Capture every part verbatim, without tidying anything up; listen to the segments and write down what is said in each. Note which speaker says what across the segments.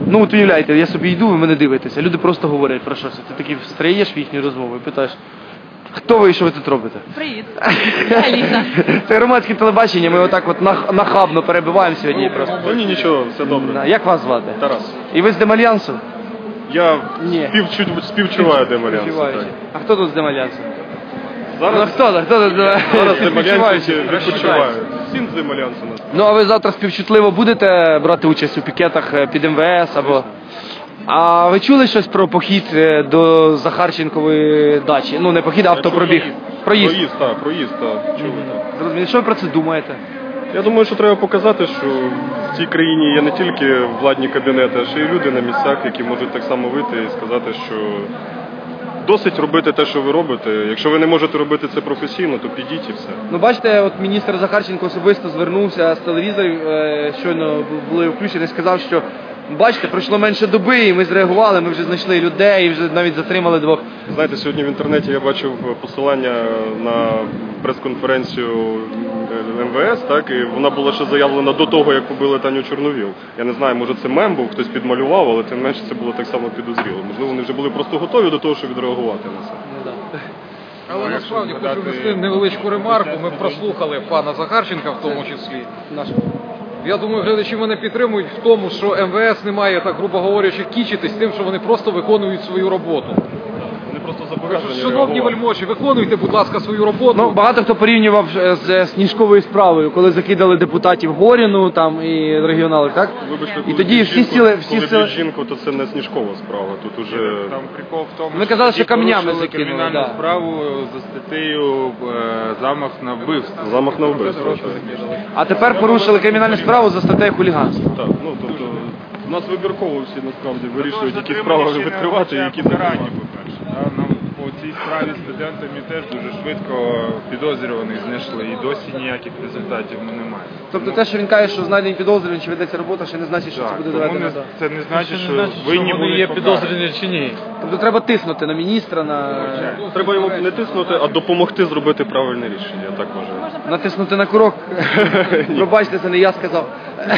Speaker 1: Ну от уявляєте, я собі йду, ви мене дивитеся, люди просто говорять про щось. Ти таки встаєш в їхню розмову і питаєш, хто ви і що ви тут робите?
Speaker 2: Привіт, я Аліса.
Speaker 1: Це громадське телебачення, ми отак от нах- нахабно перебиваємо сьогодні просто.
Speaker 3: Ну ні, нічого, все добре.
Speaker 1: Як вас звати?
Speaker 3: Тарас.
Speaker 1: І ви з Демальянсу?
Speaker 3: Я
Speaker 1: Ні.
Speaker 3: співчу- співчуваю Демальянсу.
Speaker 1: Співчуваючи. А хто тут з Демальянсу? Ну
Speaker 3: Зараз,
Speaker 1: хто тут? Хто тут?
Speaker 3: зараз Демальянці
Speaker 1: Співчуваючи.
Speaker 3: відпочивають. Всім з Демальянцу нас.
Speaker 1: Ну а ви завтра співчутливо будете брати участь у пікетах е, під ем ве ес або... А ви чули щось про похід е, до Захарченкової дачі? Ну не похід, а автопробіг. Проїзд.
Speaker 3: Проїзд, так, проїзд, так. Чули, так.
Speaker 1: Зрозуміло. Що ви про це думаєте?
Speaker 3: Я думаю, що треба показати, що в цій країні є не тільки владні кабінети, а ще й люди на місцях, які можуть так само вийти і сказати, що досить робити те, що ви робите. Якщо ви не можете робити це професійно, то підіть і все.
Speaker 1: Ну бачите, от міністр Захарченко особисто звернувся з телевізорів, е, щойно були включені, сказав, що бачите, пройшло менше доби, і ми зреагували, ми вже знайшли людей, і вже навіть затримали двох.
Speaker 3: Знаєте, сьогодні в інтернеті я бачив посилання на прес-конференцію ем ве ес, так, і вона була ще заявлена до того, як побили Таню Чорновіл. Я не знаю, може це мем був, хтось підмалював, але тим не менше це було так само підозріло. Можливо, вони вже були просто готові до того, щоб відреагувати на це.
Speaker 4: Але насправді хочу внести невеличку ремарку. Ми прослухали пана Захарченка в тому числі. Я думаю, глядачі мене підтримують в тому, що ем ве ес не має, так грубо говорячи, кічитись тим, що вони просто виконують свою роботу.
Speaker 3: Вони просто зобов'язані
Speaker 4: Шановні
Speaker 3: реагувати.
Speaker 4: вельможі, виконуйте, будь ласка, свою роботу.
Speaker 1: Ну, багато хто порівнював е, з Сніжковою справою, коли закидали депутатів Горіну там і регіоналів, так?
Speaker 3: Вибачте,
Speaker 1: І
Speaker 3: коли
Speaker 1: тоді
Speaker 3: б'ють
Speaker 1: всі
Speaker 3: жінку-
Speaker 1: сіли, всі
Speaker 3: коли
Speaker 1: сіли.
Speaker 3: б'ють жінку, то це не Сніжкова справа. Тут уже
Speaker 5: Там прикол в тому,
Speaker 1: Ми казали, що
Speaker 5: ті
Speaker 1: камнями
Speaker 5: порушили
Speaker 1: закинули,
Speaker 5: кримінальну
Speaker 1: да.
Speaker 5: справу за статтею е, замах на вбивство.
Speaker 3: замах на вбивство. так.
Speaker 1: А тепер порушили кримінальну справу за статтею хуліганства.
Speaker 3: Так, ну тобто у нас вибірково всі насправді вирішують, які справи відкривати і які закривати.
Speaker 5: по-перше. Да? Нам по цій справі з студентами теж дуже швидко підозрюваних знайшли і досі ніяких результатів ми не маємо.
Speaker 1: Тобто те, що він каже, що знайдені підозрювані, чи ведеться робота, ще не значить, що це
Speaker 5: Так,
Speaker 1: буде
Speaker 5: тому
Speaker 1: доведено.
Speaker 5: не,
Speaker 1: до-
Speaker 5: це не значить, що
Speaker 4: Що
Speaker 5: винні
Speaker 4: вони
Speaker 5: були
Speaker 4: є
Speaker 5: покарані.
Speaker 4: підозрювані чи ні.
Speaker 1: Тобто треба тиснути на міністра, на...
Speaker 3: Треба йому не тиснути, а допомогти зробити правильне рішення, я так вважаю.
Speaker 1: натиснути на курок. Пробачте, це не я сказав.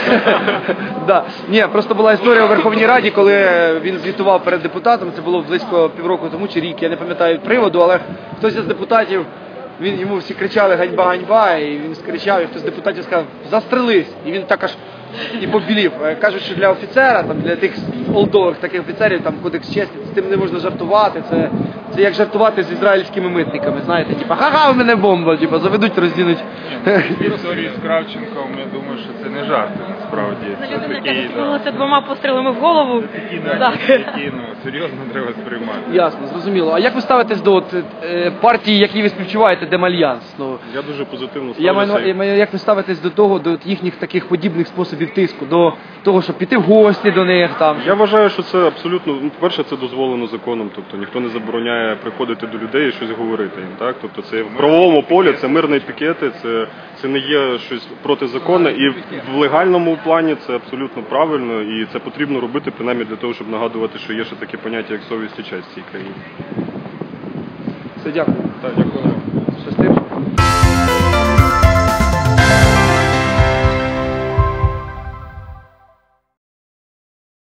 Speaker 1: Да. Ні, просто була історія у Верховній Раді, коли він звітував перед депутатом, це було близько півроку тому чи рік, я не пам'ятаю приводу, але хтось із депутатів, він, йому всі кричали ганьба, ганьба, і він скричав, і хтось з депутатів сказав, застрелись, і він так аж і побілів. Кажуть, що для офіцера, там, для тих олдових таких офіцерів, там кодекс честі, з тим не можна жартувати, це, це як жартувати з ізраїльськими митниками, знаєте, типа, ха-ха, у мене бомба, типа, заведуть, роздінуть.
Speaker 5: В історії з Кравченком, я думаю, що це не жарти, насправді. Це
Speaker 2: Людина, яка
Speaker 5: такі,
Speaker 2: застрелилася двома пострілами в голову.
Speaker 5: такі,
Speaker 2: Так.
Speaker 5: навіть, такі, ну, серйозно треба сприймати.
Speaker 1: Ясно, зрозуміло. А як ви ставитесь до от, е, партії, якій ви співчуваєте, Демальянс? Ну,
Speaker 3: Я дуже позитивно
Speaker 1: я маю,
Speaker 3: ставлюся.
Speaker 1: я маю- як ви ставитесь до того, до от їхніх таких подібних способів тиску, до того, щоб піти в гості до них там?
Speaker 3: Я вважаю, що це абсолютно, ну, по-перше, це дозволено законом, тобто ніхто не забороняє приходити до людей і щось говорити їм, так? Тобто це в правовому полі, це мирні пікети, це, це не є щось протизаконне, і в, в легальному плані це абсолютно правильно, і це потрібно робити, принаймні для того, щоб нагадувати, що є ще таке поняття, як совість і честь в цій країні.
Speaker 1: Все, дякую.
Speaker 3: Так, дякую.